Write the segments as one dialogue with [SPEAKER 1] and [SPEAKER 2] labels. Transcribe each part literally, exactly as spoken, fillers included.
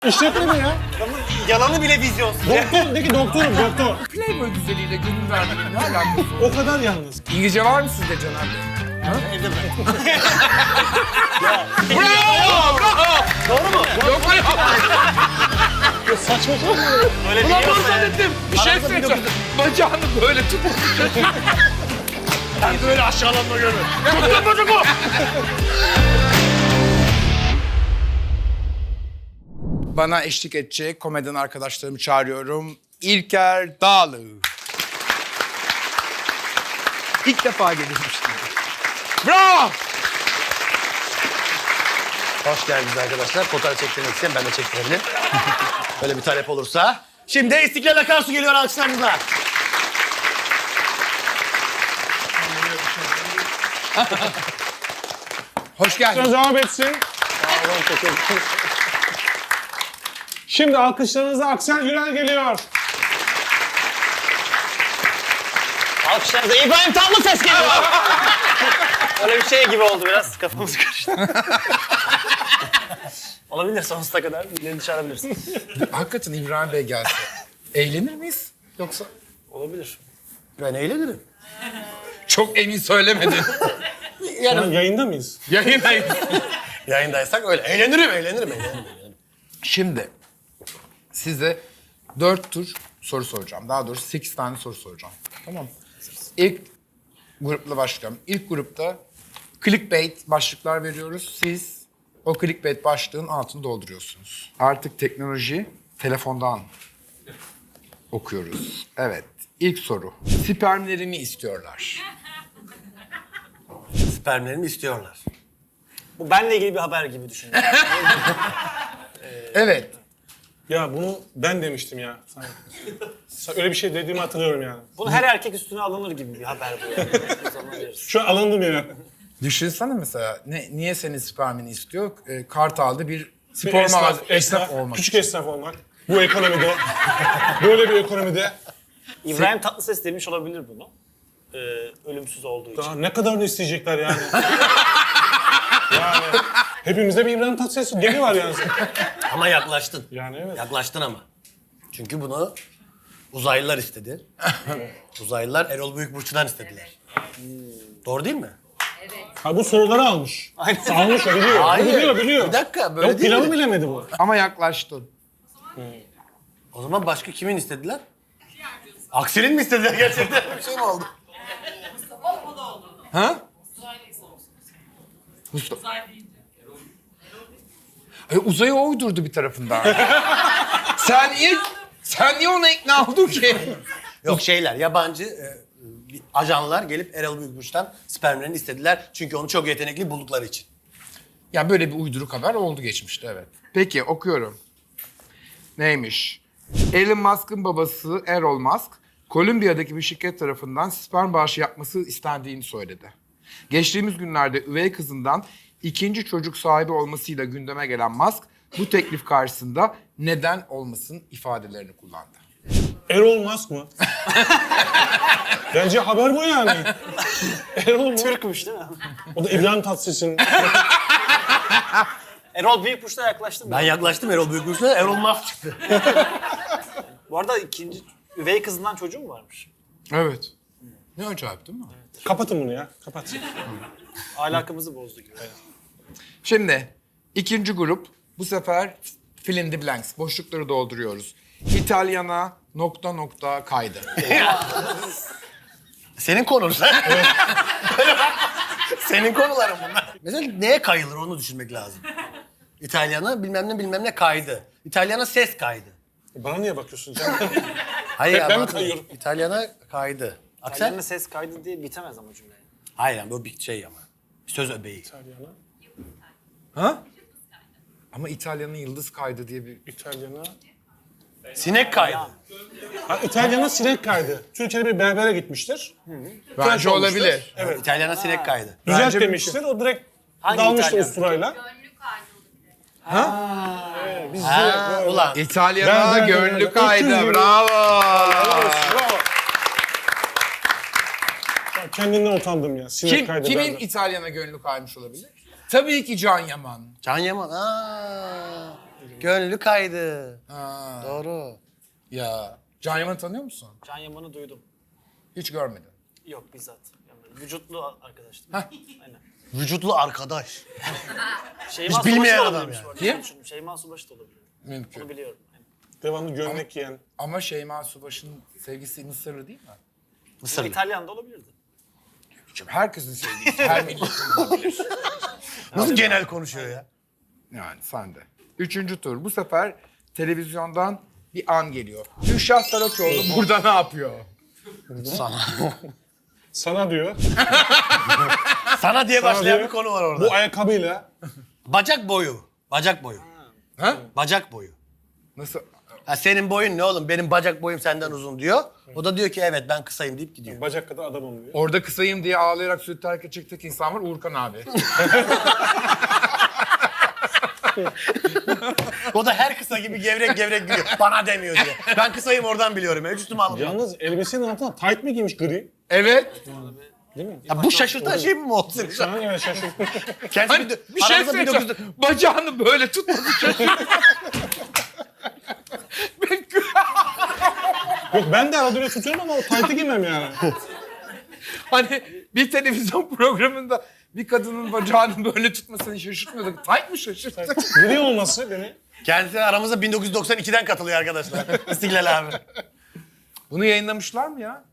[SPEAKER 1] İşletme ya.
[SPEAKER 2] Yalanı bile vizyonsuz.
[SPEAKER 1] Doktor, de ki doktorum, doktor.
[SPEAKER 3] Playboy güzeliyle gönül vermenin ne alakası?
[SPEAKER 1] O kadar yalnız.
[SPEAKER 3] İngilizce var mı sizde Caner Bey?
[SPEAKER 2] Evde mi?
[SPEAKER 3] Bravo! Bravo!
[SPEAKER 2] Doğru mu?
[SPEAKER 3] Yok mu yok?
[SPEAKER 1] Saçma sapan.
[SPEAKER 2] Öyle
[SPEAKER 3] Ulan
[SPEAKER 2] biliyorsa
[SPEAKER 3] bunu zannettim. Bir şey
[SPEAKER 2] Aramızda bir
[SPEAKER 3] söyleyeceğim. Bacağını böyle tut.
[SPEAKER 2] Ben böyle aşağılanma görmedim.
[SPEAKER 3] Tutun bacak o. Bana eşlik edecek komedyen arkadaşlarımı çağırıyorum. İlker Dağlı. İlk defa gelişmiştim. Bravo!
[SPEAKER 2] Hoş geldiniz arkadaşlar. Fotoğraf çektirmek isteyen ben de çektirebilirim. Böyle bir talep olursa. Şimdi İstiklal Akarsu geliyor alkışlarınızla.
[SPEAKER 3] Hoş geldin.
[SPEAKER 1] Devam etsin. Şimdi alkışlarınızla Aksel Gürel geliyor.
[SPEAKER 2] Alkışlarınızla İbrahim Tatlıses geliyor. Öyle bir şey gibi oldu biraz. Kafamız karıştı. Olabilir sonsuza kadar. Birilerini çağırabilirsin.
[SPEAKER 3] Hakikaten İbrahim Bey gelse. Eğlenir miyiz? Yoksa?
[SPEAKER 2] Olabilir. Ben eğlenirim.
[SPEAKER 3] Çok emin söylemedin.
[SPEAKER 1] Şu an yayında mıyız?
[SPEAKER 3] Yayındayız.
[SPEAKER 2] Yayındaysak öyle. Eğlenirim, eğlenirim, eğlenirim.
[SPEAKER 3] Şimdi size dört tur soru soracağım. Daha doğrusu sekiz tane soru soracağım. Tamam mı? İlk grupla başlayalım. İlk grupta clickbait başlıklar veriyoruz. Siz o clickbait başlığın altını dolduruyorsunuz. Artık teknoloji telefondan okuyoruz. Evet. İlk soru. Spermlerini istiyorlar.
[SPEAKER 2] Spermlerimi istiyorlar. Bu benle ilgili bir haber gibi düşünüyorum.
[SPEAKER 3] Evet.
[SPEAKER 1] Ya bunu ben demiştim ya. Sana. Sana öyle bir şey dediğimi hatırlıyorum yani.
[SPEAKER 2] Bunu her erkek üstüne alınır gibi bir haber bu yani. O zaman veririz.
[SPEAKER 1] Şu an alındım ya.
[SPEAKER 3] Düşünsene mesela ne, niye senin spermini istiyor? E, Kartal'da bir
[SPEAKER 1] Bir
[SPEAKER 3] spor
[SPEAKER 1] esnaf,
[SPEAKER 3] mağazası
[SPEAKER 1] esnaf,
[SPEAKER 3] esnaf olmak
[SPEAKER 1] küçük
[SPEAKER 3] için.
[SPEAKER 1] esnaf olmak. Bu ekonomide. Böyle bir ekonomide.
[SPEAKER 2] İbrahim Tatlıses demiş olabilir bunu. Ee, ölümsüz olduğu için.
[SPEAKER 1] Daha ne kadar da isteyecekler yani. Yani hepimizde bir İbrahim Tatlıses gemi var yani.
[SPEAKER 2] Ama yaklaştın.
[SPEAKER 1] Yani evet.
[SPEAKER 2] Yaklaştın ama. Çünkü bunu uzaylılar istedi. Uzaylılar Erol Büyükburç'tan istediler. Doğru değil mi?
[SPEAKER 1] Ha bu soruları almış.
[SPEAKER 2] Aynen.
[SPEAKER 1] Almış o biliyor.
[SPEAKER 2] Hayır.
[SPEAKER 1] Bu biliyor biliyor.
[SPEAKER 2] Bir dakika, böyle
[SPEAKER 1] Yok,
[SPEAKER 2] değil
[SPEAKER 1] planı
[SPEAKER 2] mi?
[SPEAKER 1] bilemedi bu.
[SPEAKER 3] Ama yaklaştın.
[SPEAKER 2] O zaman başka kimin istediler? Aksel'in mi istediler gerçekten? Bir şey mi oldu?
[SPEAKER 3] Ha? Mustafa. E, uzayı o uydurdu bir tarafından. sen niye sen niye ona ikna oldun ki?
[SPEAKER 2] Yok şeyler, yabancı e, bir ajanlar gelip Erol Büyükburç'tan spermlerini istediler. Çünkü onu çok yetenekli buldukları için.
[SPEAKER 3] Ya böyle bir uyduruk haber oldu geçmişte, evet. Peki okuyorum. Neymiş? Elon Musk'ın babası Errol Musk, Kolombiya'daki bir şirket tarafından sperm bağışı yapması istendiğini söyledi. Geçtiğimiz günlerde üvey kızından ikinci çocuk sahibi olmasıyla gündeme gelen Musk, bu teklif karşısında neden olmasın ifadelerini kullandı.
[SPEAKER 1] Erol Musk mı? Bence haber bu yani. Erol mu?
[SPEAKER 2] Türkmüş değil mi?
[SPEAKER 1] O da İbrahim Tatlıses'in.
[SPEAKER 2] Erol Büyükburç'ta yaklaştım. Ben yaklaştım Erol Büyükburç'ta, Erol Musk çıktı. Bu arada ikinci üvey kızından çocuğu mu varmış?
[SPEAKER 3] Evet. Ne acayip değil mi?
[SPEAKER 1] Kapatın bunu ya. Kapat.
[SPEAKER 2] Alakamızı bozdu gibi.
[SPEAKER 3] Şimdi ikinci grup, bu sefer fill in the blanks, boşlukları dolduruyoruz. İtalyana nokta nokta kaydı.
[SPEAKER 2] Senin konun sen. Senin konuların bunlar. Mesela neye kayılır onu düşünmek lazım. İtalyana bilmem ne bilmem ne kaydı. İtalyana ses kaydı.
[SPEAKER 1] Bana niye bakıyorsun canım?
[SPEAKER 2] Hayır
[SPEAKER 1] Ben- ben
[SPEAKER 2] ama
[SPEAKER 1] mi kayıyorum?
[SPEAKER 2] İtalyana kaydı. Aksel?
[SPEAKER 4] İtalyan'ın ses kaydı diye bitemez ama cümle.
[SPEAKER 2] Hayır yani bu bir şey ama. Söz öbeği.
[SPEAKER 1] İtalyana.
[SPEAKER 3] Ha? Ama İtalya'nın yıldız kaydı diye bir...
[SPEAKER 1] İtalyana.
[SPEAKER 2] Sinek kaydı.
[SPEAKER 1] Ha, İtalyana sinek kaydı. Türkiye'de bir berbere gitmiştir.
[SPEAKER 3] Bence
[SPEAKER 1] olmuştur.
[SPEAKER 3] olabilir.
[SPEAKER 1] Evet.
[SPEAKER 2] İtalyana sinek kaydı.
[SPEAKER 1] Düzelt
[SPEAKER 3] Bence
[SPEAKER 1] demiştir. O direkt
[SPEAKER 2] Hangi
[SPEAKER 1] dalmıştır
[SPEAKER 2] İtalyan?
[SPEAKER 1] usturayla. Biz
[SPEAKER 2] Ha,
[SPEAKER 1] direkt böyle-
[SPEAKER 2] ulan.
[SPEAKER 3] İtalyana
[SPEAKER 1] Ben- ben-
[SPEAKER 3] gönlü
[SPEAKER 1] ben-
[SPEAKER 3] kaydı.
[SPEAKER 1] öküz gibi.
[SPEAKER 3] Bravo.
[SPEAKER 1] Bravo. Ya kendimden utandım ya. Sinek
[SPEAKER 3] Kim,
[SPEAKER 1] kaydı
[SPEAKER 3] kimin
[SPEAKER 1] berber.
[SPEAKER 3] İtalyana gönlü kaymış olabilir? Tabii ki Can Yaman.
[SPEAKER 2] Can Yaman. Aa. Gönlü kaydı.
[SPEAKER 3] Ha.
[SPEAKER 2] Doğru.
[SPEAKER 3] Ya. Can Yaman'ı tanıyor musun?
[SPEAKER 4] Can Yaman'ı duydum.
[SPEAKER 3] Hiç görmedin.
[SPEAKER 4] Yok bizzat. Yani vücutlu arkadaştım.
[SPEAKER 3] Hah.
[SPEAKER 4] Aynen.
[SPEAKER 2] Vücutlu arkadaş.
[SPEAKER 4] Şeyma
[SPEAKER 2] Hiç bilmeyen
[SPEAKER 4] Subaşı da
[SPEAKER 2] adam
[SPEAKER 4] olabilirmiş
[SPEAKER 2] yani.
[SPEAKER 4] bu arada.
[SPEAKER 3] Kim?
[SPEAKER 4] Düşündüm. Şeyma Subaşı da olabilir.
[SPEAKER 3] Mümkün.
[SPEAKER 4] Onu biliyorum. Aynen.
[SPEAKER 1] Devamlı gömlek giyen.
[SPEAKER 3] Ama Şeyma Subaşı'nın sevgisi Mısırlı değil mi?
[SPEAKER 2] Mısırlı.
[SPEAKER 4] İtalyan da olabilirdi.
[SPEAKER 3] Şimdi herkesin sevgisi. Her milletin olabilir.
[SPEAKER 2] Nasıl genel konuşuyor ya?
[SPEAKER 3] Yani sen de. Üçüncü tur. Bu sefer televizyondan bir an geliyor. Gülşah Saraçoğlu burada ne yapıyor?
[SPEAKER 2] Sana.
[SPEAKER 1] Sana diyor.
[SPEAKER 2] Sana diye
[SPEAKER 1] Sana
[SPEAKER 2] başlayan
[SPEAKER 1] diyor,
[SPEAKER 2] bir konu var orada.
[SPEAKER 1] Bu ayakkabıyla
[SPEAKER 2] Bacak boyu. Bacak boyu.
[SPEAKER 3] Ha?
[SPEAKER 2] Bacak boyu.
[SPEAKER 3] Nasıl?
[SPEAKER 2] Ha, senin boyun ne oğlum? Benim bacak boyum senden uzun diyor. O da diyor ki evet ben kısayım deyip gidiyor.
[SPEAKER 1] bacak kadar adamım diyor.
[SPEAKER 3] Orada kısayım diye ağlayarak süt terk edecek tek insan var Uğurkan abi.
[SPEAKER 2] O da her kısa gibi gevrek gevrek gülüyor. Bana demiyor diye. Ben kısayım oradan biliyorum. Hiç üstüme alınmıyor.
[SPEAKER 1] Yalnız elbisenin altına tight mi giymiş gri?
[SPEAKER 3] Evet.
[SPEAKER 1] Değil mi?
[SPEAKER 2] Ya bu şaşırtan şey mi oldu senin?
[SPEAKER 1] Şu an evet şaşırdım.
[SPEAKER 2] Kendisi
[SPEAKER 3] Hani
[SPEAKER 2] bir,
[SPEAKER 3] bir şey
[SPEAKER 2] aramızda
[SPEAKER 3] söyleyeceğim.
[SPEAKER 2] bin dokuz yüz
[SPEAKER 3] Bacağını böyle tutmadı şaşırdım.
[SPEAKER 1] Yok ben de arada öyle tutuyorum ama o tight'ı giymem yani.
[SPEAKER 3] Hani bir televizyon programında bir kadının bacağını böyle tutmasını şaşırtmıyorduk. Tight mı şaşırttı?
[SPEAKER 1] Gri olması beni.
[SPEAKER 2] Kendisi aramızda bin dokuz yüz doksan ikiden katılıyor arkadaşlar. İstiklal abi.
[SPEAKER 3] Bunu yayınlamışlar mı ya?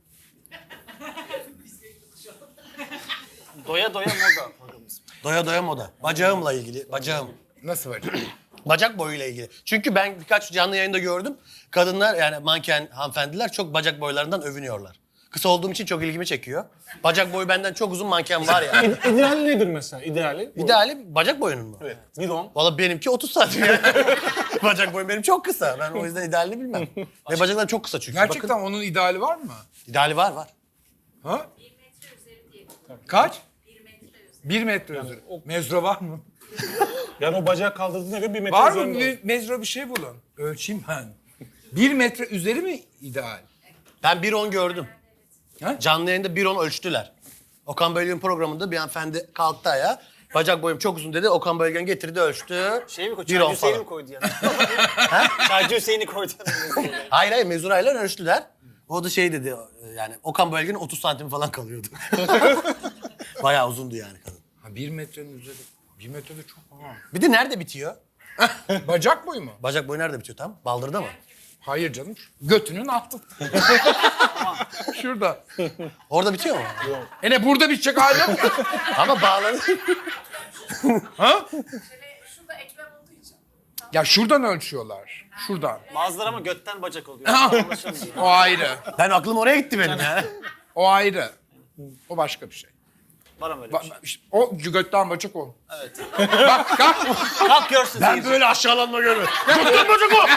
[SPEAKER 4] Doya doya moda programımız.
[SPEAKER 2] Doya doya moda. Bacağımla ilgili. Bacağım.
[SPEAKER 3] Nasıl bacak?
[SPEAKER 2] Bacak boyuyla ilgili. Çünkü ben birkaç canlı yayında gördüm. Kadınlar yani manken hanımefendiler çok bacak boylarından övünüyorlar. Kısa olduğum için çok ilgimi çekiyor. Bacak boyu benden çok uzun manken var ya. Yani.
[SPEAKER 1] İdeali nedir mesela? İdeali?
[SPEAKER 2] İdeali bacak boyunun mu?
[SPEAKER 1] Evet. Bidon.
[SPEAKER 2] Valla benimki otuz santim yani. Bacak boyum benim çok kısa. Ben o yüzden idealini bilmem. Ve bacaklarım çok kısa çünkü.
[SPEAKER 3] Gerçekten
[SPEAKER 2] Bakın,
[SPEAKER 3] onun ideali var mı?
[SPEAKER 2] ideali var var.
[SPEAKER 3] Ha? Kaç? Bir metre üzeri. Mezro var mı?
[SPEAKER 1] Yani o bacağı kaldırdığına göre bir metre
[SPEAKER 3] Var mı?
[SPEAKER 1] üzerinde olur.
[SPEAKER 3] Bir mezro bir şey bulun. Ölçeyim ben. Bir metre üzeri mi ideal?
[SPEAKER 2] Ben bir on gördüm.
[SPEAKER 3] Ha?
[SPEAKER 2] Canlı yayında bir on ölçtüler. Okan Bölgen programında bir hanımefendi kalktı ayağa. Bacak boyum çok uzun dedi. Okan Bölgen getirdi ölçtü.
[SPEAKER 4] Şey mi koydu?
[SPEAKER 2] Bir on
[SPEAKER 4] Çaycı Hüseyin'i
[SPEAKER 2] falan.
[SPEAKER 4] mi koydu yani? Çaycı Hüseyin'i koydu.
[SPEAKER 2] Hayır hayır mezurayla ölçtüler. O da şey dedi yani Okan Bölgen'in otuz santim falan kalıyordu. Bayağı uzundu yani kadın.
[SPEAKER 3] Ha, bir metrenin üzeri. Bir metre de çok. Ha.
[SPEAKER 2] Bir de nerede bitiyor?
[SPEAKER 3] Bacak boyu mu?
[SPEAKER 2] Bacak boyu nerede bitiyor tam? Baldırda mı?
[SPEAKER 3] Hayır canım. Götünün altı. Şurada.
[SPEAKER 2] Orada bitiyor mu?
[SPEAKER 3] E ne burada bitecek hali yok.
[SPEAKER 2] Ama bağlanır.
[SPEAKER 3] Ha?
[SPEAKER 5] Şurada eklem olduğu için.
[SPEAKER 3] Ya şuradan ölçüyorlar. Şuradan.
[SPEAKER 4] Bazıları ama götten bacak oluyor. Anlaşılmıyor.
[SPEAKER 3] O ayrı.
[SPEAKER 2] Ben aklım oraya gitti benim yani.
[SPEAKER 3] O ayrı. O başka bir şey.
[SPEAKER 4] Var ama öyle bir
[SPEAKER 3] Bak,
[SPEAKER 4] şey.
[SPEAKER 3] işte o götten bacak o.
[SPEAKER 4] Evet.
[SPEAKER 3] Bak kalk.
[SPEAKER 4] Kalk görsün
[SPEAKER 2] Ben
[SPEAKER 4] seyirci.
[SPEAKER 2] böyle aşağılanma görmedim. Götten bacak o.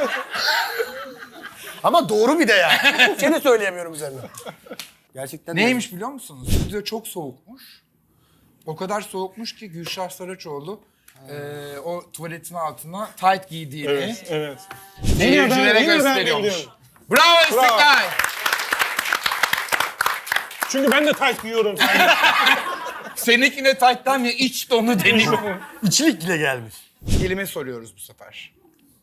[SPEAKER 2] Ama doğru bir de ya. Bir şey de söyleyemiyorum üzerine. Gerçekten de-
[SPEAKER 3] Neymiş biliyor musunuz? Stüdyo çok soğukmuş. O kadar soğukmuş ki Gülşah Saraçoğlu eee, o tuvaletin altına tight giydiğini
[SPEAKER 1] Evet, evet.
[SPEAKER 3] seyircilere
[SPEAKER 1] Yine ben- yine ben
[SPEAKER 3] gösteriyormuş.
[SPEAKER 1] biliyorum.
[SPEAKER 3] Bravo İstiklal!
[SPEAKER 1] Çünkü ben de tight giyiyorum.
[SPEAKER 3] Seninkine tight'tan ya iç donu deniyor.
[SPEAKER 2] İçlik bile gelmiş.
[SPEAKER 3] Kelime soruyoruz bu sefer.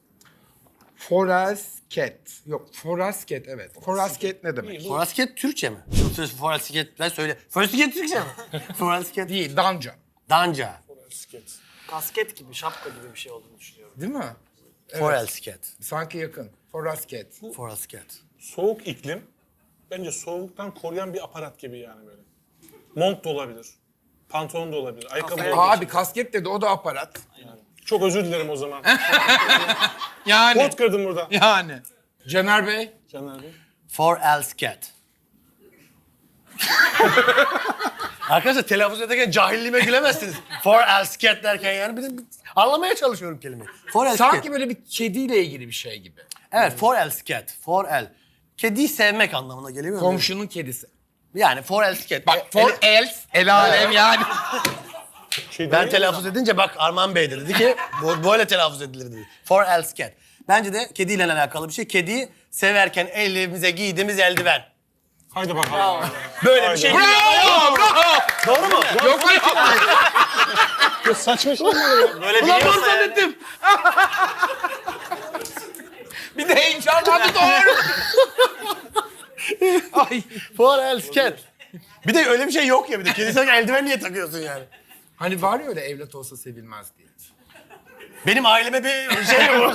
[SPEAKER 3] Forasket. Yok, forasket evet. Forasket ne demek?
[SPEAKER 2] Forasket Türkçe mi? Forasket ben söyle. Forasket Türkçe mi? Forasket
[SPEAKER 3] Değil, danca.
[SPEAKER 2] Danca.
[SPEAKER 4] Kasket gibi, şapka gibi bir şey olduğunu düşünüyorum.
[SPEAKER 3] Değil mi?
[SPEAKER 2] Forasket.
[SPEAKER 3] Sanki yakın. Forasket.
[SPEAKER 2] Forasket.
[SPEAKER 1] Soğuk iklim. Bence soğuktan koruyan bir aparat gibi yani böyle. Mont da olabilir. Pantolon da olabilir. Ayakkabı da olabilir.
[SPEAKER 3] Abi kasket dedi, o da aparat.
[SPEAKER 1] Çok özür dilerim o zaman.
[SPEAKER 3] Yani.
[SPEAKER 1] Pot kırdım burada.
[SPEAKER 3] Yani. Caner Bey.
[SPEAKER 1] Caner Bey.
[SPEAKER 2] Forasket. Arkadaşlar telaffuz ederken cahilliğime gülemezsiniz. Forasket derken yani bir de anlamaya çalışıyorum kelimeyi. Forasket.
[SPEAKER 3] Sanki böyle bir kediyle ilgili bir şey gibi.
[SPEAKER 2] Evet, forasket. For-el. Kediyi sevmek anlamına geliyor mu?
[SPEAKER 3] Komşunun kedisi.
[SPEAKER 2] Yani forasket.
[SPEAKER 3] Bak for
[SPEAKER 2] Ele-
[SPEAKER 3] else, el alem yani.
[SPEAKER 1] Şey
[SPEAKER 2] Ben
[SPEAKER 1] değil
[SPEAKER 2] telaffuz edince bak Arman Bey de dedi ki bu böyle telaffuz edilir dedi. For-else-cat. Bence de kediyle alakalı bir şey. Kediyi severken elimize giydiğimiz eldiven.
[SPEAKER 1] Haydi bakalım.
[SPEAKER 2] Böyle bir şey.
[SPEAKER 3] Bravo! Bravo!
[SPEAKER 2] Doğru mu?
[SPEAKER 3] Yok öyle.
[SPEAKER 1] Ya saçma şey mi oluyor?
[SPEAKER 4] Böyle
[SPEAKER 3] Ulan
[SPEAKER 4] biliyorsa
[SPEAKER 3] bunu
[SPEAKER 4] yani.
[SPEAKER 3] zannettim. Bir de heyecanlandı doğru. Ay.
[SPEAKER 2] Forelsket. Bir de öyle bir şey yok ya bir de. Kedisine eldiven niye takıyorsun yani?
[SPEAKER 3] Hani var ya öyle evlat olsa sevilmez diye.
[SPEAKER 2] Benim aileme bir şey bu.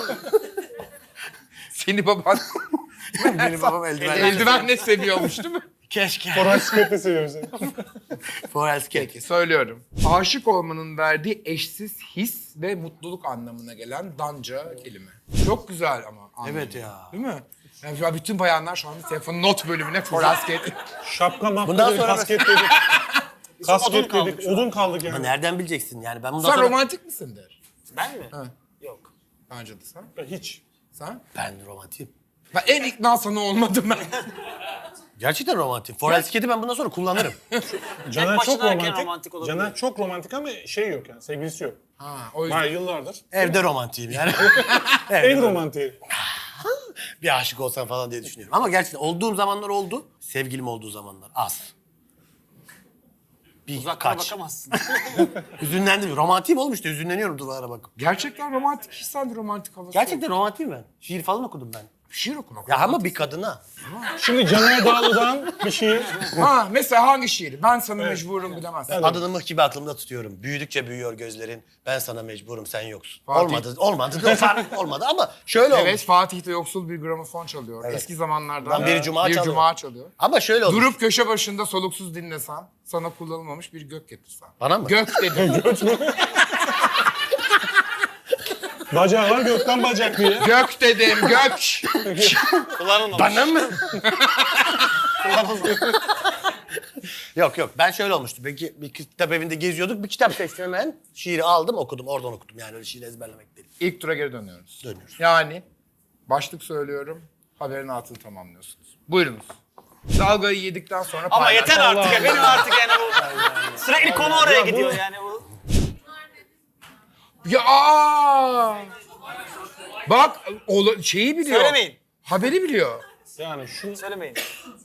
[SPEAKER 3] Seni baban
[SPEAKER 2] Benim babam eldiven.
[SPEAKER 3] eldivenle seviyormuş değil mi?
[SPEAKER 2] Keşke.
[SPEAKER 1] Forelsket seviyorum seni.
[SPEAKER 2] Forelsket.
[SPEAKER 3] Peki söylüyorum. Aşık olmanın verdiği eşsiz his ve mutluluk anlamına gelen danca kelime. Çok güzel ama. anlamı.
[SPEAKER 2] Evet ya.
[SPEAKER 3] Değil mi? Yani şu an bütün bayanlar şu anda telefonun not bölümüne forasket.
[SPEAKER 1] Şapka mapka
[SPEAKER 2] Bundan
[SPEAKER 1] dedik,
[SPEAKER 2] sonra-
[SPEAKER 1] kasket dedik. kasket
[SPEAKER 4] odun
[SPEAKER 1] dedik,
[SPEAKER 4] kaldık şu an.
[SPEAKER 1] odun kaldık
[SPEAKER 2] Ama
[SPEAKER 1] yani.
[SPEAKER 2] nereden bileceksin yani? Ben bundan
[SPEAKER 3] Sen
[SPEAKER 2] sonra...
[SPEAKER 3] romantik misindir?
[SPEAKER 4] Ben mi?
[SPEAKER 3] Ha.
[SPEAKER 4] Yok.
[SPEAKER 3] Bence de sen.
[SPEAKER 1] Ben hiç.
[SPEAKER 3] Sen?
[SPEAKER 2] Ben romantiyim.
[SPEAKER 3] Ben en ikna sana olmadım ben.
[SPEAKER 2] Gerçekten romantik. Forelsket'i ben bundan sonra kullanırım.
[SPEAKER 1] Caner
[SPEAKER 4] başına
[SPEAKER 1] çok
[SPEAKER 4] erken
[SPEAKER 1] romantik.
[SPEAKER 4] romantik olabilir.
[SPEAKER 1] Caner çok romantik ama şey yok yani, sevgilisi yok.
[SPEAKER 3] Ha, o yüzden.
[SPEAKER 1] Var yıllardır.
[SPEAKER 2] Evde romantiyim yani.
[SPEAKER 1] En romantiği.
[SPEAKER 2] Bir aşık olsam falan diye düşünüyorum. Ama gerçekten olduğum zamanlar oldu. Sevgilim olduğu zamanlar az. Bir
[SPEAKER 4] Uzaklara
[SPEAKER 2] kaç.
[SPEAKER 4] bakamazsın.
[SPEAKER 2] Hüzünlendim. Romantiyim oğlum işte. Hüzünleniyorum duvara bakıp.
[SPEAKER 3] Gerçekten romantik hissel romantik havası.
[SPEAKER 2] Gerçekten romantiyim ben. Şiir falan okudum ben.
[SPEAKER 3] Şiir okumak.
[SPEAKER 2] Ya ama bir kadına.
[SPEAKER 1] Şimdi Caner Dağlı'dan bir şey.
[SPEAKER 3] Ha mesela hangi şiir? Ben sana mecburum bilemezsin.
[SPEAKER 2] Adını mıh gibi aklımda tutuyorum. Büyüdükçe büyüyor gözlerin. Ben sana mecburum, sen yoksun.
[SPEAKER 3] Fatih.
[SPEAKER 2] Olmadı, olmadı. Olmadı, olmadı ama şöyle
[SPEAKER 3] Evet
[SPEAKER 2] olmuş.
[SPEAKER 3] Fatih de yoksul bir gramofon çalıyor.
[SPEAKER 2] Evet.
[SPEAKER 3] Eski zamanlardan
[SPEAKER 2] Lan bir cuma
[SPEAKER 3] bir
[SPEAKER 2] çalıyor.
[SPEAKER 3] cuma çalıyor.
[SPEAKER 2] Ama şöyle olmuş.
[SPEAKER 3] Durup köşe başında soluksuz dinlesen, sana kullanılmamış bir gök getirsen.
[SPEAKER 2] Bana mı?
[SPEAKER 3] Gök dedim.
[SPEAKER 1] Bacağı var gökten bacak diye.
[SPEAKER 3] Gök dedim, gök.
[SPEAKER 4] Kullanılmamış.
[SPEAKER 2] Bana mı? Yok yok ben şöyle olmuştu. Peki bir kitap evinde geziyorduk. Bir kitap seçtim hemen. Şiiri aldım okudum. Oradan okudum. Yani öyle şiir ezberlemek değil.
[SPEAKER 3] İlk tura geri dönüyoruz.
[SPEAKER 2] Dönüyoruz.
[SPEAKER 3] Yani başlık söylüyorum, haberin altını tamamlıyorsunuz. Buyurunuz. Dalgayı yedikten sonra
[SPEAKER 4] Ama
[SPEAKER 3] paylaş.
[SPEAKER 4] yeter artık ya. Benim artık yani bu... Sürekli konu oraya gidiyor yani bu.
[SPEAKER 3] Ya aa! Bak ola- şeyi biliyor.
[SPEAKER 4] Söylemeyin.
[SPEAKER 3] Haberi biliyor.
[SPEAKER 1] Yani şu
[SPEAKER 4] Söylemeyin.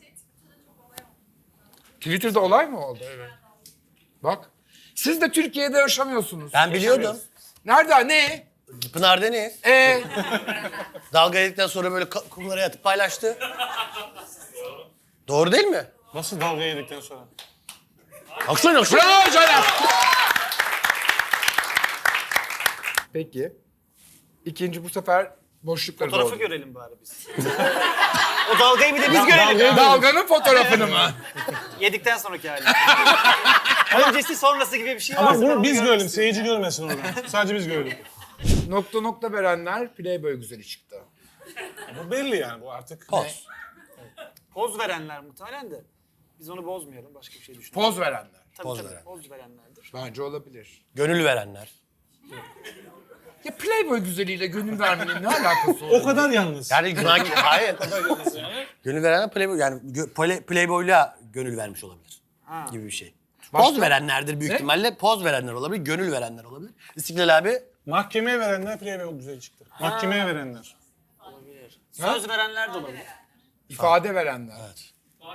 [SPEAKER 3] Twitter'da olay mı oldu? Evet. Bak. Siz de Türkiye'de yaşamıyorsunuz.
[SPEAKER 2] Ben biliyordum.
[SPEAKER 3] Nerede? Ne?
[SPEAKER 2] Pınar Deniz.
[SPEAKER 3] Ee,
[SPEAKER 2] Dalga yedikten sonra böyle ka- kumlara yatıp paylaştı. Doğru değil mi?
[SPEAKER 1] nasıl dalga yedikten sonra?
[SPEAKER 2] Aksana aksana.
[SPEAKER 3] bravo Caner. Peki. İkinci bu sefer boşlukları
[SPEAKER 4] Fotoğrafı
[SPEAKER 3] doldu.
[SPEAKER 4] görelim bari biz. O dalgayı bir de biz görelim.
[SPEAKER 3] Dalganın fotoğrafını mı?
[SPEAKER 4] Yedikten sonraki hali. Öncesi sonrası gibi bir şey
[SPEAKER 1] Ama
[SPEAKER 4] varsa ben
[SPEAKER 1] bunu
[SPEAKER 4] onu
[SPEAKER 1] biz
[SPEAKER 4] görmek
[SPEAKER 1] görelim,
[SPEAKER 4] istiyorum.
[SPEAKER 1] seyirci görmesin oradan. Sadece biz görelim.
[SPEAKER 3] Nokta nokta verenler Playboy güzeli çıktı.
[SPEAKER 1] Bu belli yani bu artık.
[SPEAKER 2] Poz.
[SPEAKER 4] Poz verenler muhtemelen de. Biz onu bozmayalım, başka bir şey düşünelim.
[SPEAKER 3] Poz verenler.
[SPEAKER 4] Tabii,
[SPEAKER 2] poz
[SPEAKER 4] tabii,
[SPEAKER 2] veren.
[SPEAKER 4] poz verenlerdir.
[SPEAKER 3] Bence olabilir.
[SPEAKER 2] Gönül verenler.
[SPEAKER 3] Ya Playboy güzeliyle gönül vermenin ne alakası
[SPEAKER 1] O
[SPEAKER 3] olur?
[SPEAKER 1] kadar yalnız.
[SPEAKER 2] Yani sanki hayır. Gönül verenler Playboy yani gö- play, Playboy'la gönül vermiş olabilir.
[SPEAKER 4] Ha.
[SPEAKER 2] Gibi bir şey.
[SPEAKER 3] Başka?
[SPEAKER 2] Poz verenlerdir büyük
[SPEAKER 3] Ne?
[SPEAKER 2] ihtimalle. Poz verenler olabilir, gönül verenler olabilir. İstiklal abi
[SPEAKER 1] Mahkemeye verenler Playboy güzel çıktı. Mahkemeye verenler.
[SPEAKER 4] Olabilir. Söz verenler de olabilir.
[SPEAKER 3] İfade verenler.
[SPEAKER 2] Evet.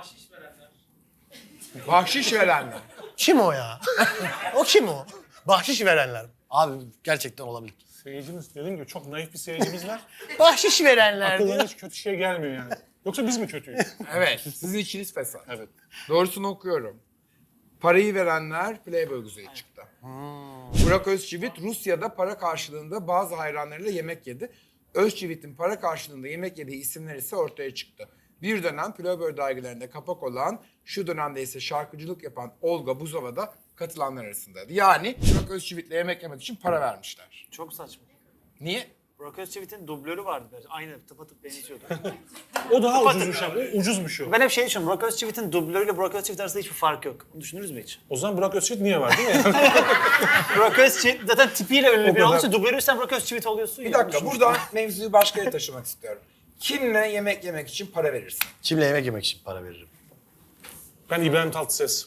[SPEAKER 3] Bahşiş verenler.
[SPEAKER 2] Kim o ya? O kim o? Bahşiş verenler. Abi gerçekten olabilir.
[SPEAKER 1] Seyircimiz dediğim gibi çok naif bir seyircimiz var.
[SPEAKER 2] Bahşiş verenler diyor.
[SPEAKER 1] Aklına hiç kötü şey gelmiyor yani. Yoksa biz mi kötüyüz?
[SPEAKER 3] Evet. Sizin içiniz fesat.
[SPEAKER 1] Evet.
[SPEAKER 3] Doğrusunu okuyorum. Parayı verenler Playboy güzeli çıktı. Burak Özçivit Rusya'da para karşılığında bazı hayranlarıyla yemek yedi. Özçivit'in para karşılığında yemek yediği isimler ise ortaya çıktı. Bir dönem Playboy dergilerinde kapak olan, şu dönemde ise şarkıcılık yapan Olga Buzova da katılanlar arasındaydı. Yani Burak Özçivit'le yemek yemek için para vermişler.
[SPEAKER 4] Çok saçma.
[SPEAKER 3] Niye?
[SPEAKER 4] Burak Özçivit'in dublörü vardı. böyle. Aynı tıpatıp benziyordu.
[SPEAKER 1] O daha ucuzmuş abi. O ucuzmuş o.
[SPEAKER 4] Ben hep şey düşünüyorum. Burak Özçivit'in dublörüyle Burak Özçivit arasında hiçbir fark yok. Onu düşündünüz mü hiç?
[SPEAKER 1] O zaman Burak Özçivit niye var değil mi? Yani?
[SPEAKER 4] Burak Özçivit zaten tipiyle ünlü bir
[SPEAKER 1] kadar.
[SPEAKER 4] olduğu için dublörü sen Burak Özçivit oluyorsun
[SPEAKER 3] Bir
[SPEAKER 4] ya.
[SPEAKER 3] dakika buradan mevzuyu başka yere taşımak istiyorum. Kimle yemek yemek için para verirsin?
[SPEAKER 2] Kimle yemek yemek için para veririm?
[SPEAKER 1] Ben İbrahim Tatlıses.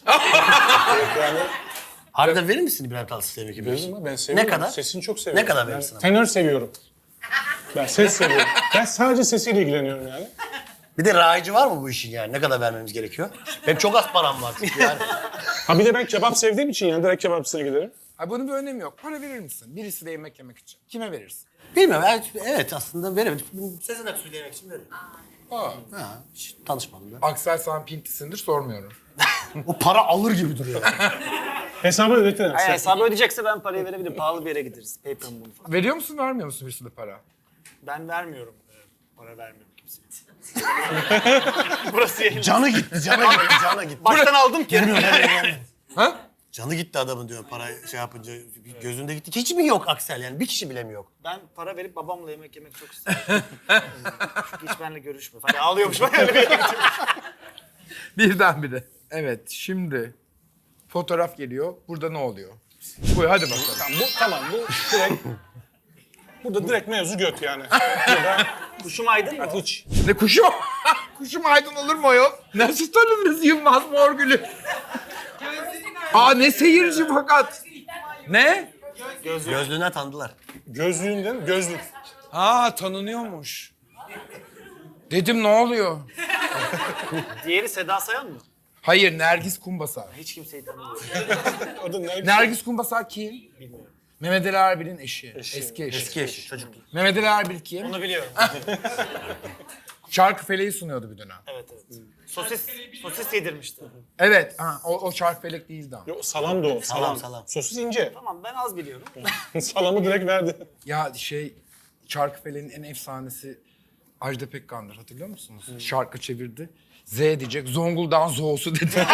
[SPEAKER 2] Harbiden verir misin İbrahim Tatlıses'e yemek yemek için?
[SPEAKER 1] Veririm ama ben seviyorum.
[SPEAKER 2] Ne kadar?
[SPEAKER 1] Sesini çok seviyorum.
[SPEAKER 2] Ne kadar
[SPEAKER 1] Ben
[SPEAKER 2] verirsin ama?
[SPEAKER 1] tenör seviyorum. Ben ses seviyorum. Ben sadece sesiyle ilgileniyorum yani.
[SPEAKER 2] Bir de rayici var mı bu işin yani? Ne kadar vermemiz gerekiyor? Benim çok az param var çünkü yani.
[SPEAKER 1] Ha bir de ben kebap sevdiğim için yani direkt kebapçısına giderim.
[SPEAKER 3] Ha, bunun bir önemi yok. Para verir misin? Birisiyle yemek yemek için. Kime verirsin?
[SPEAKER 2] Bilmiyorum. Evet, evet aslında veremedim. Sezen Aksu'yla yemek için veririm.
[SPEAKER 3] Aa.
[SPEAKER 2] Ha, hiç tanışmadım da.
[SPEAKER 3] Aksel sen pintisindir sormuyorum.
[SPEAKER 2] O para alır gibi duruyor.
[SPEAKER 1] Hesabı ödetin.
[SPEAKER 4] Hayır, hesabı ödeyecekse ben parayı verebilirim. Pahalı bir yere gideriz. PayPal bunu falan.
[SPEAKER 3] Veriyor musun vermiyor musun birisine para?
[SPEAKER 4] Ben vermiyorum. Ee, Para vermiyorum kimseye. Burası yayın.
[SPEAKER 2] Canı gitti, canı gitti, canı gitti.
[SPEAKER 4] Baştan aldım ki.
[SPEAKER 3] Ha?
[SPEAKER 2] Canı gitti adamın diyor para şey yapınca gözünde gitti. Hiç mi yok Aksel yani bir kişi bile mi yok?
[SPEAKER 4] Ben para verip babamla yemek yemek çok isterim. Çünkü hiç benimle görüşmüyor. Hani ağlıyormuş ben öyle bir yere gittim.
[SPEAKER 3] Birdenbire. Evet şimdi fotoğraf geliyor. Burada ne oluyor? Buyur hadi bakalım.
[SPEAKER 1] Tamam bu, tamam, bu direkt... Burada direkt mevzu göt yani. Burada
[SPEAKER 4] Kuşum aydın mı?
[SPEAKER 1] hiç.
[SPEAKER 3] Ne kuşum? Kuşum aydın olur mu o? Nasıl tanıdınız Yılmaz Morgül'ü? Aa ne seyirci fakat. Ne?
[SPEAKER 2] Gözlüğünden tanıdılar.
[SPEAKER 1] Gözlüğünden gözlük.
[SPEAKER 3] Aa tanınıyormuş. Dedim ne oluyor?
[SPEAKER 4] Diğeri Seda Sayan mı?
[SPEAKER 3] Hayır Nergis Kumbasar.
[SPEAKER 4] Hiç kimseyi tanımıyorum.
[SPEAKER 1] O da nerede?
[SPEAKER 3] Nergis Kumbasar kim?
[SPEAKER 4] Bilmiyorum.
[SPEAKER 3] Mehmet Ali Erbil'in eşi.
[SPEAKER 1] Eşi.
[SPEAKER 3] Eski eşi.
[SPEAKER 2] Eski eşi çocuk.
[SPEAKER 3] Mehmet Ali Erbil kim?
[SPEAKER 4] Onu biliyorum.
[SPEAKER 3] Şarkıfele'yi sunuyordu bir dönem.
[SPEAKER 4] Evet evet. Sosis, sosis yedirmişti.
[SPEAKER 3] Evet. Ha, o, o Şarkıfelek değildi ama.
[SPEAKER 1] Yok salam da o. Salam.
[SPEAKER 2] Salam, salam.
[SPEAKER 1] Sosis ince.
[SPEAKER 4] Tamam ben az biliyorum.
[SPEAKER 1] Salamı direkt verdi.
[SPEAKER 3] Ya şey Şarkıfele'nin en efsanesi Ajda Pekkan'dır hatırlıyor musunuz? Şarkı çevirdi. Z diyecek. Zonguldak'ın Zo'su dedi.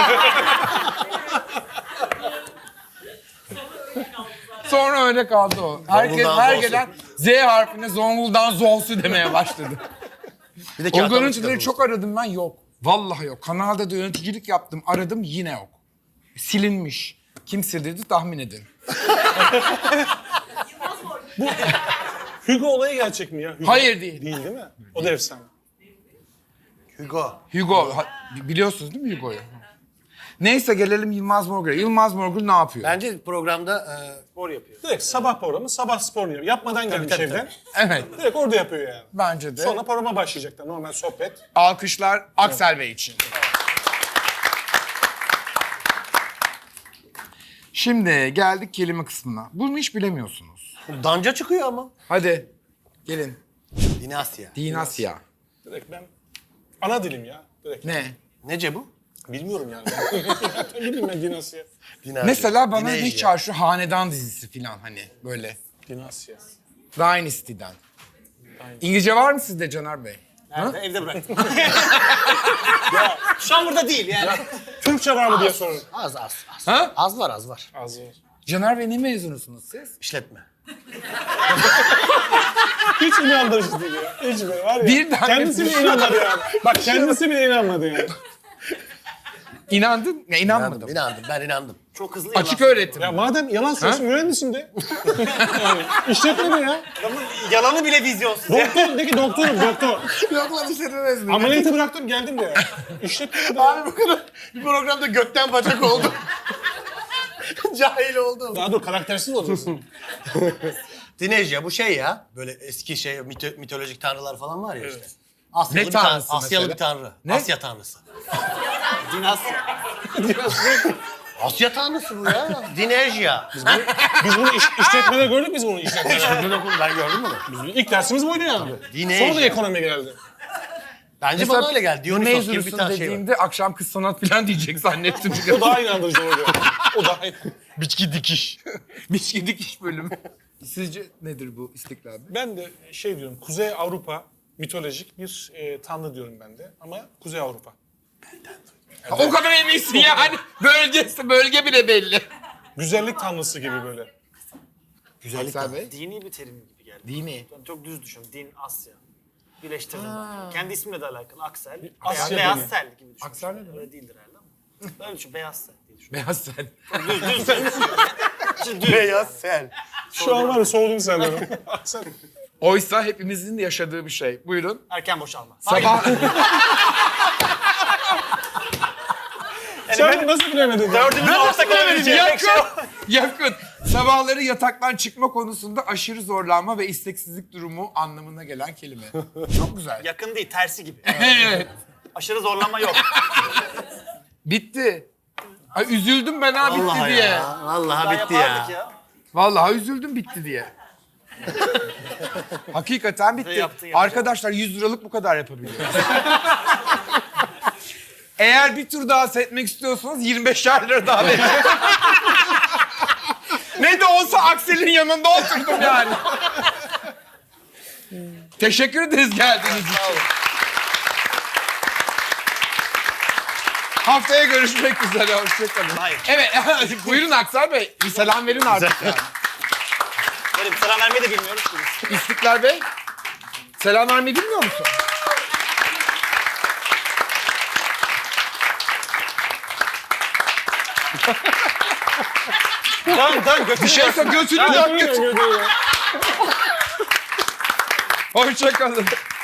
[SPEAKER 3] Sonra öyle kaldı o. Herkes
[SPEAKER 2] Zonguldak'ın
[SPEAKER 3] her
[SPEAKER 2] Zo'su.
[SPEAKER 3] gelen Z harfine Zonguldak'ın Zo'su demeye başladı.
[SPEAKER 2] Bir de
[SPEAKER 3] O
[SPEAKER 2] kağıt
[SPEAKER 3] görüntüleri
[SPEAKER 2] almışlar
[SPEAKER 3] çok aradım ben yok. Vallahi yok. Kanalda da yöneticilik yaptım. Aradım yine yok. Silinmiş. Kim sildirdi tahmin edin.
[SPEAKER 1] Hugo olayı gerçek mi ya? Hugo.
[SPEAKER 3] Hayır değil.
[SPEAKER 1] Değil değil mi? O da efsane.
[SPEAKER 2] Hugo.
[SPEAKER 3] Hugo. ha- biliyorsunuz değil mi Hugo'yu? Neyse gelelim Yılmaz Morgül'e. Yılmaz Morgül ne yapıyor?
[SPEAKER 2] Bence programda e,
[SPEAKER 4] Spor yapıyor.
[SPEAKER 1] Direkt sabah programı, sabah spor yapıyor. Yapmadan gelmiş
[SPEAKER 2] tabii,
[SPEAKER 1] evden.
[SPEAKER 3] Evet.
[SPEAKER 1] Direkt orada yapıyor yani.
[SPEAKER 3] Bence de.
[SPEAKER 1] Sonra programa başlayacaklar. Normal sohbet.
[SPEAKER 3] Alkışlar Aksel Bey için. Şimdi geldik kelime kısmına. Bunu hiç bilemiyorsunuz.
[SPEAKER 2] danca çıkıyor ama.
[SPEAKER 3] Hadi gelin.
[SPEAKER 2] Dinasya.
[SPEAKER 3] Dinasya.
[SPEAKER 1] Direkt ben ana dilim ya. Direkt.
[SPEAKER 3] Ne?
[SPEAKER 2] Nece bu?
[SPEAKER 1] Bilmiyorum yani. Ne bileyim ben Dinasya.
[SPEAKER 2] Dinasya.
[SPEAKER 3] Mesela bana
[SPEAKER 2] Dinasya.
[SPEAKER 3] hiç çağır şu hanedan dizisi falan hani böyle.
[SPEAKER 1] Dinasya.
[SPEAKER 3] Dynasty'den. İngilizce var mı sizde Caner Bey?
[SPEAKER 4] Nerede? Evde bıraktım. ya şu an burada değil yani.
[SPEAKER 1] Türkçe var mı diye sorun.
[SPEAKER 2] Az az az.
[SPEAKER 3] Ha?
[SPEAKER 2] Az var az var.
[SPEAKER 1] Az var.
[SPEAKER 3] Caner Bey ne mezunusunuz siz?
[SPEAKER 2] İşletme.
[SPEAKER 1] Hiç inandırıcı değil ya. Hiç böyle var ya.
[SPEAKER 3] Birden
[SPEAKER 1] kendisi bile inanmadı yani. Bak kendisi bile inanmadı yani.
[SPEAKER 3] İnandın? Ya inanmadım.
[SPEAKER 2] İnandım, inandım. Ben inandım.
[SPEAKER 4] Çok hızlı
[SPEAKER 3] Açık
[SPEAKER 4] yalan.
[SPEAKER 3] öğretim.
[SPEAKER 1] Ya madem yalan söylüyorsun mühendisin de. yani işletme de ya.
[SPEAKER 4] Adamın yalanı bile vizyonsuz. ya.
[SPEAKER 1] Doktor de ki doktorum doktor.
[SPEAKER 2] Yok lan işletmemez mi?
[SPEAKER 1] Ameliyatı bıraktım geldim de ya. İşletme de ya.
[SPEAKER 2] Abi bu kadar bir programda gökten bacak oldu. Cahil oldum.
[SPEAKER 1] Daha dur karaktersiz olacaksın.
[SPEAKER 2] Dinejya bu şey ya. Böyle eski şey mito- mitolojik tanrılar falan var ya işte. Asyalı
[SPEAKER 3] Ne
[SPEAKER 2] bir tan-
[SPEAKER 3] tanrısı
[SPEAKER 2] Asyalı
[SPEAKER 3] mesela?
[SPEAKER 2] bir tanrı.
[SPEAKER 3] Ne?
[SPEAKER 2] Asya tanrısı.
[SPEAKER 4] Dinasya.
[SPEAKER 2] Asya tanrısı bu ya. Dinejya. Biz
[SPEAKER 1] Biz bunu iş, işletmede gördük biz bunu işletmede.
[SPEAKER 2] ben gördüm bunu.
[SPEAKER 1] Biz bunu- İlk dersimiz buydu yani.
[SPEAKER 2] Dinleyici.
[SPEAKER 1] Sonra da ekonomi geldi.
[SPEAKER 2] Bence bana öyle geldi. Dionysos gibi bir
[SPEAKER 3] mezunusun
[SPEAKER 2] tane şey var.
[SPEAKER 3] dediğimde akşam kız sanat falan diyecek zannettim.
[SPEAKER 1] O daha inandırıcı oluyor. O daha iyi.
[SPEAKER 3] Biçki dikiş. Biçki dikiş bölümü. Sizce nedir bu İstiklal Bey?
[SPEAKER 1] Ben de şey diyorum, Kuzey Avrupa mitolojik bir e, tanrı diyorum ben de. Ama Kuzey Avrupa.
[SPEAKER 3] Ha, o kadar eminsin yani. Bölgesi, bölge bile belli.
[SPEAKER 1] Güzellik tanrısı gibi böyle.
[SPEAKER 2] Güzellik
[SPEAKER 3] Aksel
[SPEAKER 2] tanrısı.
[SPEAKER 3] Bey.
[SPEAKER 4] Dini bir terim gibi geldi.
[SPEAKER 3] Dini.
[SPEAKER 4] Ben çok düz düşünüyorum. Din, Asya. Birleştirdim. Kendi ismimle de alakalı. Aksel.
[SPEAKER 1] Asya
[SPEAKER 4] Asya Beyaz
[SPEAKER 1] dini.
[SPEAKER 4] sel gibi düşün.
[SPEAKER 3] Aksel ne demek?
[SPEAKER 4] Öyle değildir herhalde ama. Böyle düşün. Beyaz sel diye düşün.
[SPEAKER 3] Beyaz sen.
[SPEAKER 4] Düz, düz sel. Şimdi düz.
[SPEAKER 2] Beyaz sel.
[SPEAKER 1] Şu an var ya soğudum senden. Sen
[SPEAKER 3] Oysa hepimizin de yaşadığı bir şey. Buyurun.
[SPEAKER 4] Erken boşalma.
[SPEAKER 3] Sabah...
[SPEAKER 1] Sen nasıl bilemedin?
[SPEAKER 4] Dördümüz ortak olabileceği tek şey o.
[SPEAKER 3] yakın. yakın. Sabahları yataktan çıkma konusunda aşırı zorlanma ve isteksizlik durumu anlamına gelen kelime. Çok güzel.
[SPEAKER 4] Yakın değil, tersi gibi.
[SPEAKER 3] Evet.
[SPEAKER 4] Aşırı zorlanma yok.
[SPEAKER 3] Bitti. Ay üzüldüm ben ha bitti
[SPEAKER 2] Vallahi
[SPEAKER 3] diye.
[SPEAKER 2] ya. Vallahi
[SPEAKER 4] Daha
[SPEAKER 2] bitti
[SPEAKER 4] yapardık
[SPEAKER 2] ya.
[SPEAKER 4] ya.
[SPEAKER 3] Vallahi üzüldüm bitti diye. Hakikaten bitti.
[SPEAKER 4] Yaptın, yapacağım.
[SPEAKER 3] Arkadaşlar yüz liralık bu kadar yapabiliyoruz. Eğer bir tur daha seyretmek istiyorsanız yirmi beşer lira daha verin. Ne de olsa Aksel'in yanında oturdum yani. Teşekkür ederiz geldiğiniz için. Haftaya görüşmek üzere. Hoşçakalın.
[SPEAKER 4] Hayır.
[SPEAKER 3] Evet, buyurun Aksel Bey. Bir selam verin artık yani.
[SPEAKER 4] Böyle bir selam vermeyi de bilmiyoruz ki biz.
[SPEAKER 3] İstiklal Bey, selam vermeyi bilmiyor musun?
[SPEAKER 4] Dön dön götür.
[SPEAKER 3] Bir şey söyle, götünü dön götür. Hoşçakalın.